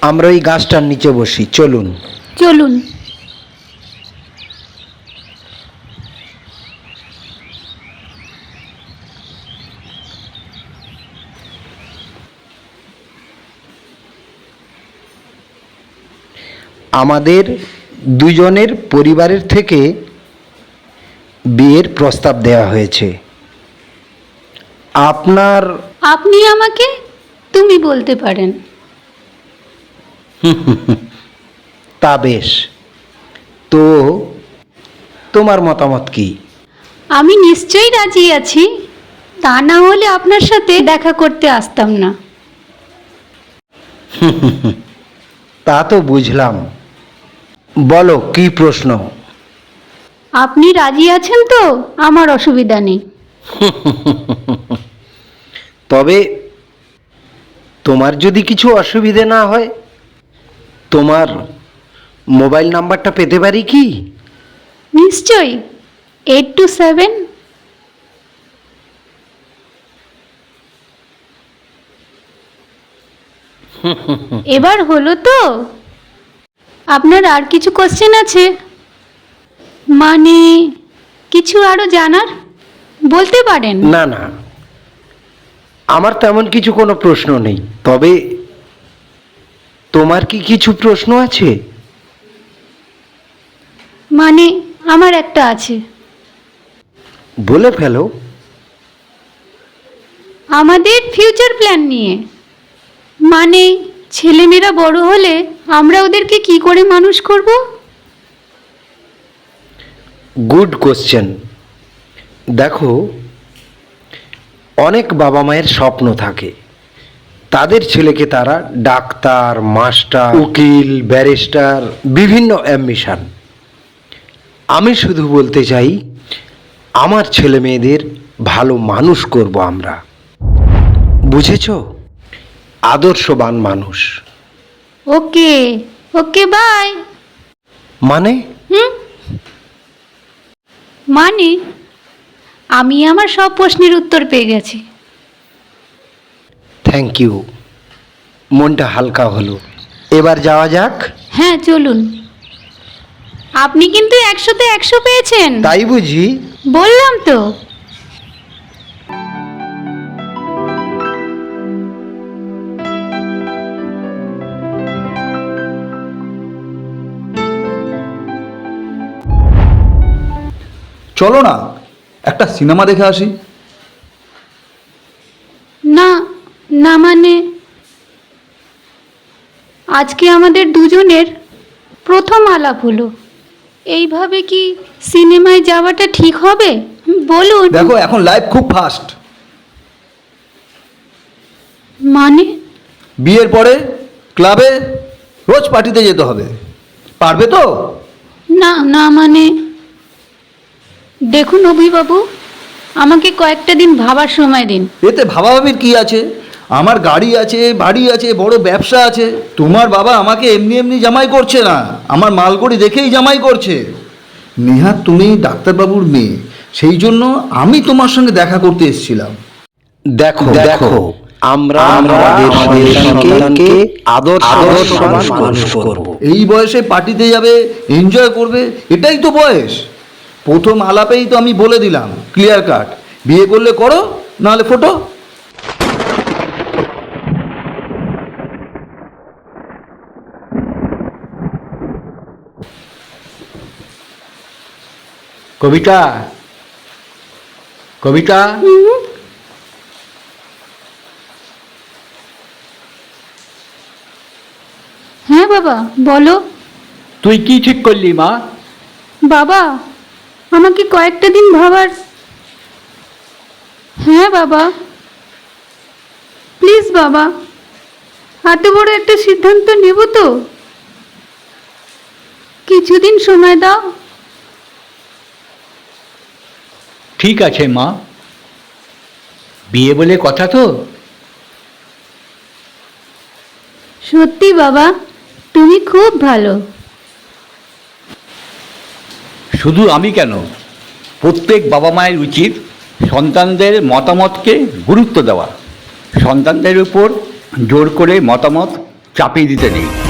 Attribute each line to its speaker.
Speaker 1: আমরা ওই গাছটার নিচে বসি, চলুন।
Speaker 2: চলুন।
Speaker 1: আমাদের দুজনের পরিবারের থেকে বিয়ের প্রস্তাব দেওয়া হয়েছে।
Speaker 2: আপনি আমাকে তুমি বলতে পারেন।
Speaker 1: তা বেশ, তো তোমার মতামত কি?
Speaker 2: আমি নিশ্চয়ই রাজি আছি, তা না হলে আপনার সাথে দেখা করতে আসতাম না।
Speaker 1: তা তো বুঝলাম, বলো কি প্রশ্ন?
Speaker 2: আপনি রাজি আছেন তো? আমার অসুবিধা নেই।
Speaker 1: তবে তোমার যদি কিছু অসুবিধে না হয়, তোমার মোবাইল নাম্বারটা পেতে পারি কি?
Speaker 2: নিশ্চয়ই। 827। এবার হলো তো? আপনার আর কিছু কোশ্চেন আছে? মানে কিছু আরো জানার বলতে পারেন।
Speaker 1: না না, আমার তেমন কিছু কোনো প্রশ্ন নেই। তবে তোমার কি কিছু প্রশ্ন আছে?
Speaker 2: মানে আমার একটা আছে।
Speaker 1: বলে ফেলো।
Speaker 2: আমাদের ফিউচার প্ল্যান নিয়ে, মানে ছেলেমেয়েরা বড় হলে আমরা ওদেরকে কি করে মানুষ করব।
Speaker 1: Good question. দেখো, অনেক বাবা মায়ের স্বপ্ন থাকে তাদের ছেলেকে তারা ডাক্তার, মাস্টার, উকিল, ব্যারিস্টার, বিভিন্ন অ্যাম্বিশন। আমি শুধু বলতে চাই, আমার ছেলে মেয়েদের ভালো মানুষ করব আমরা, বুঝেছো? আদর্শবান মানুষ।
Speaker 2: Okay okay, bye.
Speaker 1: মানে?
Speaker 2: মানে আমি আমার সব প্রশ্নের উত্তর পেয়ে গেছি।
Speaker 1: থ্যাংক ইউ, মনটা হালকা হলো। এবার যাওয়া যাক।
Speaker 2: হ্যাঁ চলুন। আপনি কিন্তু 100-তে 100 পেয়েছেন।
Speaker 1: তাই বুঝি?
Speaker 2: বললাম তো।
Speaker 3: চলো না একটা সিনেমা দেখে আসি।
Speaker 2: না না, মানে আজকে আমাদের দুজনের প্রথম আলাপ হলো, এইভাবে কি সিনেমায় যাওয়াটা ঠিক হবে? বলুন।
Speaker 3: দেখো এখন লাইফ খুব ফাস্ট।
Speaker 2: মানে
Speaker 3: বিয়ের পরে ক্লাবে রোজ পার্টিতে যেতে হবে, পারবে তো?
Speaker 2: না না, মানে দেখুন অভিবাবু, আমাকে কয়েকটা দিন ভাবার সময় দিন।
Speaker 3: এতে ভাবাভাবির কি আছে? আমার গাড়ি আছে, বাড়ি আছে, বড় ব্যবসা আছে। তোমার বাবা আমাকে এমনি এমনি জামাই করছে না, আমার মালকড়ি দেখেই জামাই করছে। নেহাত তুমি ডাক্তারবাবুর মেয়ে, সেই জন্য আমি তোমার সঙ্গে দেখা করতে এসেছিলাম।
Speaker 1: দেখো দেখো, আমরা আমাদের সন্তানকে আদর্শবান মানুষ করব।
Speaker 3: এই বয়সে পার্টিতে যাবে, এনজয় করবে, এটাই তো বয়স। প্রথম আলাপেই তো আমি বলে দিলাম ক্লিয়ার কাট, বিয়ে করলে করো, নাহলে ফটো।
Speaker 4: কবিতা, কবিতা,
Speaker 2: হ্যাঁ বাবা বলো।
Speaker 4: তুই কি ঠিক করলি মা?
Speaker 2: বাবা আমাকে কয়েকটা দিন ভাবার। হ্যাঁ বাবা, প্লিজ বাবা, এত বড় একটা সিদ্ধান্ত নেব তো, কিছুদিন সময় দাও।
Speaker 4: ঠিক আছে মা, বিয়ে বলে কথা তো।
Speaker 2: সত্যি বাবা, তুমি খুব ভালো।
Speaker 4: শুধু আমি কেন, প্রত্যেক বাবা মায়ের উচিত সন্তানদের মতামতকে গুরুত্ব দেওয়া। সন্তানদের উপর জোর করে মতামত চাপিয়ে দিতে নেই।